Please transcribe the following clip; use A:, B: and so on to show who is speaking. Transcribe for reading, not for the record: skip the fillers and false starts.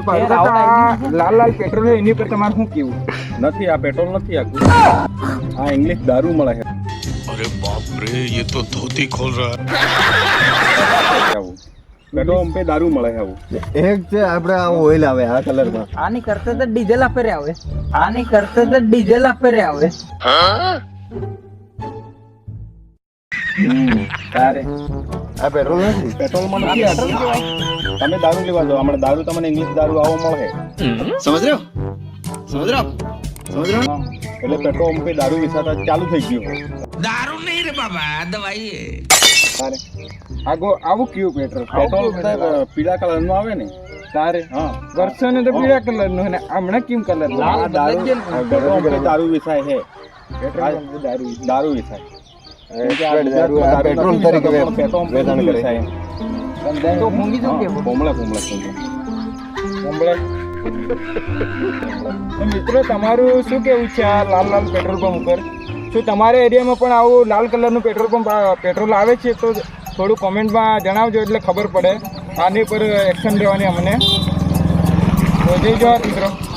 A: લાલ લાલ petrol છે એની પર તમારે શું કેવું?
B: નથી, આ પેટ્રોલ નથી, આ ઇંગ્લિશ દારૂ મળે છે.
C: अरे बाप रे ये तो धोती खोल रहा है.
B: આવું પેટ્રોલ પંપે દારૂ મળે છે આવું.
D: એક છે આપણે આ ઓઇલ આવે આ કલરમાં.
A: આની કરતા તો ડીઝલ આપે રે આવે. આની કરતા તો ડીઝલ આપે રે આવે.
B: તારે
D: આ પેટ્રોલ નથી.
B: પેટ્રોલમાં નથી આ પેટ્રોલ કહેવાય. તમે દારૂ લેવા જાઓ, હમણાં દારૂ તમને ઇંગ્લિશ દારૂ આવો મળે.
D: સમજ રહ્યો? સમજ રહ્યો? સમજ રહ્યો?
B: હા, એટલે પેટ્રોલ પંપે દારૂ વેચાતા ચાલુ થઈ ગયું.
C: दारू नहीं रे बाबा दवाई है.
B: તારે
A: આવું કયું પેટ્રોલ?
B: પેટ્રોલ પીળા કલર નું આવે ને
A: તારે
B: હા
A: વર્ષો ને તો પીળા કલર નું અને હમણાં કેમ કલર નું?
B: આ દારૂ પેટ્રોલ પંપે દારૂ વેચાય છે. દારૂ વેચાય
D: પેટ્રોલ તરીકે
B: પેટ્રોલ પંપે
D: વેચાણ કરે.
B: વેચાય.
A: તો મૂંગી શું કેવું?
B: કોમળે
A: તો મિત્રો તમારું શું કેવું છે આ લાલ લાલ પેટ્રોલ પંપ ઉપર? શું તમારા એરિયામાં પણ આવું લાલ કલરનું પેટ્રોલ પંપ પેટ્રોલ આવે છે? તો થોડું કોમેન્ટમાં જણાવજો એટલે ખબર પડે આની પર એક્શન લેવાની અમને. તો જય જવાહર મિત્રો.